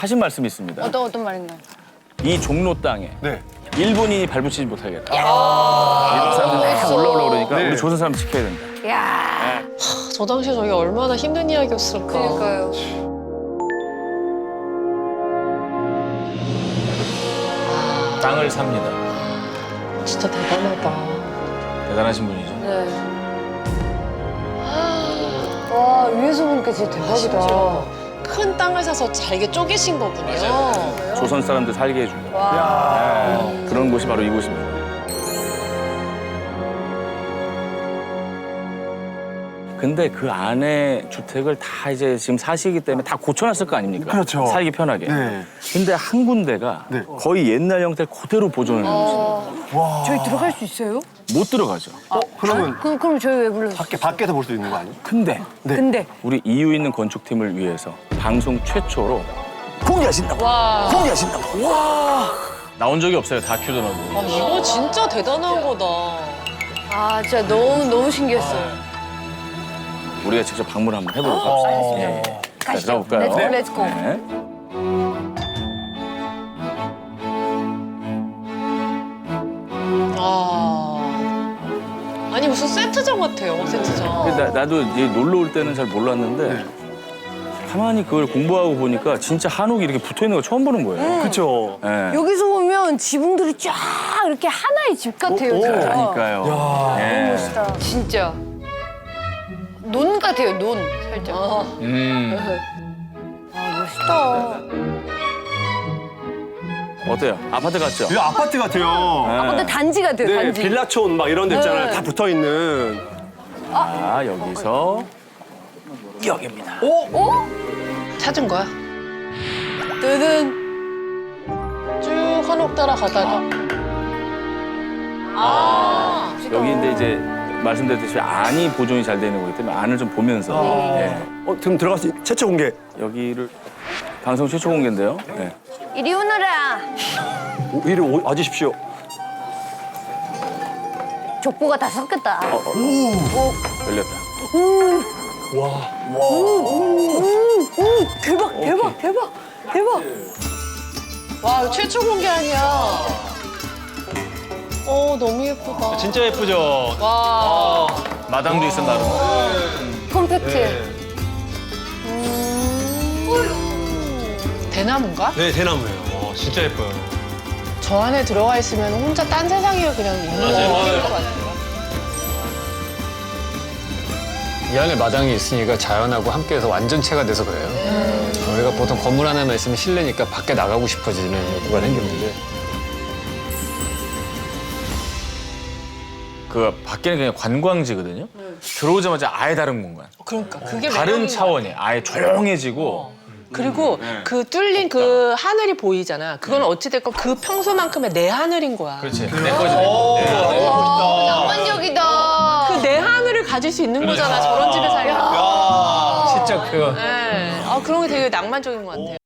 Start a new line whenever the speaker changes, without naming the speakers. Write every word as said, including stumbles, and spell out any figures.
하신 말씀이 있습니다.
어떤 어떤 말인가요?
이 종로 땅에
네.
일본인이 발붙이지 못하겠다. 일본 사람들이 다 올라오려고 그러니까
네.
우리 조선 사람 지켜야 된다.
야.
저 당시에 저게 얼마나 힘든 이야기였을까.
그러니까요.
땅을 삽니다.
진짜 대단하다.
대단하신 분이죠.
네. 와 위에서 보니까 진짜 대박이다.
큰 땅을 사서 잘게 쪼개신 거군요.
조선 사람들 살게 해준다.
와.
네. 그런 곳이 바로 이곳입니다. 근데 그 안에 주택을 다 이제 지금 사시기 때문에 다 고쳐놨을 거 아닙니까?
그렇죠.
살기 편하게.
네.
근데 한 군데가
네.
거의 옛날 형태를 그대로 보존해 놓은
와.
저희 들어갈 수 있어요?
못 들어가죠.
어, 그러면
그럼 그럼 저희 왜 불렀어요?
밖에 밖에서 볼 수 있는 거 아니에요?
근데
네.
근데
우리 이유 있는 건축팀을 위해서 방송 최초로 공개하신다고. 공개하신다고. 와. 나온 적이 없어요. 다큐도 나고.
아, 이거 진짜 대단한 거다.
아 진짜 너무 너무 신기했어요.
우리가 직접 방문 한번 해보도록 합시다. 예. 자, 들어볼까요?
렛츠고 렛츠고.
네.
아. 아니, 무슨 세트장 같아요, 세트장.
근데 나, 나도 이제 놀러 올 때는 잘 몰랐는데 가만히 그걸 공부하고 보니까 진짜 한옥이 이렇게 붙어 있는 거 처음 보는 거예요.
그렇죠.
예.
여기서 보면 지붕들이 쫙 이렇게 하나의 집 같아요.
오, 오.
진짜.
그러니까요. 예.
멋있다. 진짜. 논 같아요, 논 살짝. 아,
음.
멋있다.
어때요? 아파트 같죠?
이거 아파트 같아요.
아, 근데 단지 같아요,
네,
단지.
빌라촌 막 이런 데 있잖아요.
네.
다 붙어 있는.
자, 여기서 여기입니다.
어?
찾은 거야? 뜨든. 쭉 한옥 따라가다가. 아.
여기 근데 이제 말씀드렸듯이 안이 보존이 잘 되는 거기 때문에 안을 좀 보면서 예.
어, 그럼 들어갈 수 있... 최초 공개.
여기를 방송 최초 공개인데요. 예.
이리 오너라.
오, 이리 오, 와주십시오.
족보가 다 섞였다.
열렸다.
대박, 대박, 대박, 대박.
와, 이거 최초 공개 아니야. 어, 너무 예쁘다.
진짜 예쁘죠?
와.
마당도 있어 나름.
컴팩트.
대나무인가?
네, 대나무예요. 와, 진짜 예뻐요.
저 안에 들어가 있으면 혼자 딴 세상에 그냥 있는 것 같아요.
이 안에 마당이 있으니까 자연하고 함께해서 완전체가 돼서 그래요. 저희가 보통 건물 하나만 있으면 실내니까 밖에 나가고 싶어지는 욕구가 생겼는데
그 밖에는 그냥 관광지거든요. 들어오자마자 아예 다른 공간.
그러니까 그게
다른
매력인
차원이 아예 조용해지고
그리고 그 뚫린 그 하늘이 보이잖아. 그건 어찌됐건 그 평소만큼의 내 하늘인 거야.
그렇지. 내 거지. 내 거.
낭만적이다.
그 내 하늘을 가질 수 있는 거잖아. 저런 집에 살면.
진짜 그
네. 아, 그런 게 되게 낭만적인 것 같아요.